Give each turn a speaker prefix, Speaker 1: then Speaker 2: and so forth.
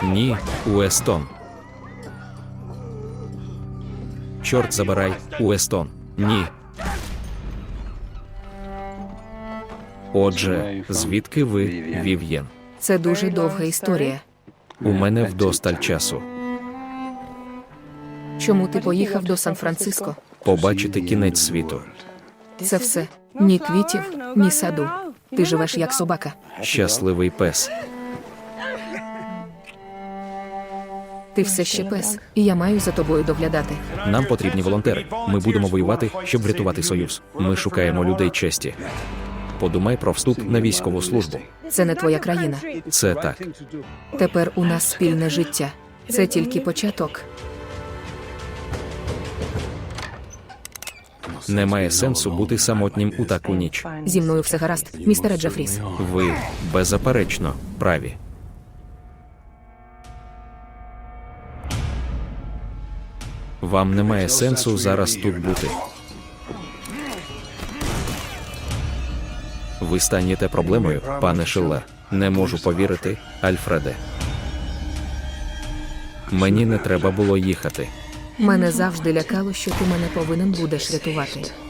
Speaker 1: Ні, Уестон. Чорт забирай, Уестон. Ні. Отже, звідки ви, Вів'єн?
Speaker 2: Це дуже довга історія.
Speaker 1: У мене вдосталь часу.
Speaker 2: Чому ти поїхав до Сан-Франциско?
Speaker 1: Побачити кінець світу.
Speaker 2: Це все. Ні квітів, ні саду. Ти живеш як собака.
Speaker 1: Щасливий пес.
Speaker 2: Ти все ще пес, і я маю за тобою доглядати.
Speaker 1: Нам потрібні волонтери. Ми будемо воювати, щоб врятувати Союз. Ми шукаємо людей честі. Подумай про вступ на військову службу.
Speaker 2: Це не твоя країна.
Speaker 1: Це так.
Speaker 2: Тепер у нас спільне життя. Це тільки початок.
Speaker 1: Немає сенсу бути самотнім у таку ніч.
Speaker 2: Зі мною все гаразд, містере Джефріс.
Speaker 1: Ви, беззаперечно, праві. Вам немає сенсу зараз тут бути. Ви станете проблемою, пане Шиллер. Не можу повірити, Альфреде. Мені не треба було їхати.
Speaker 2: Мене завжди лякало, що ти мене повинен будеш рятувати.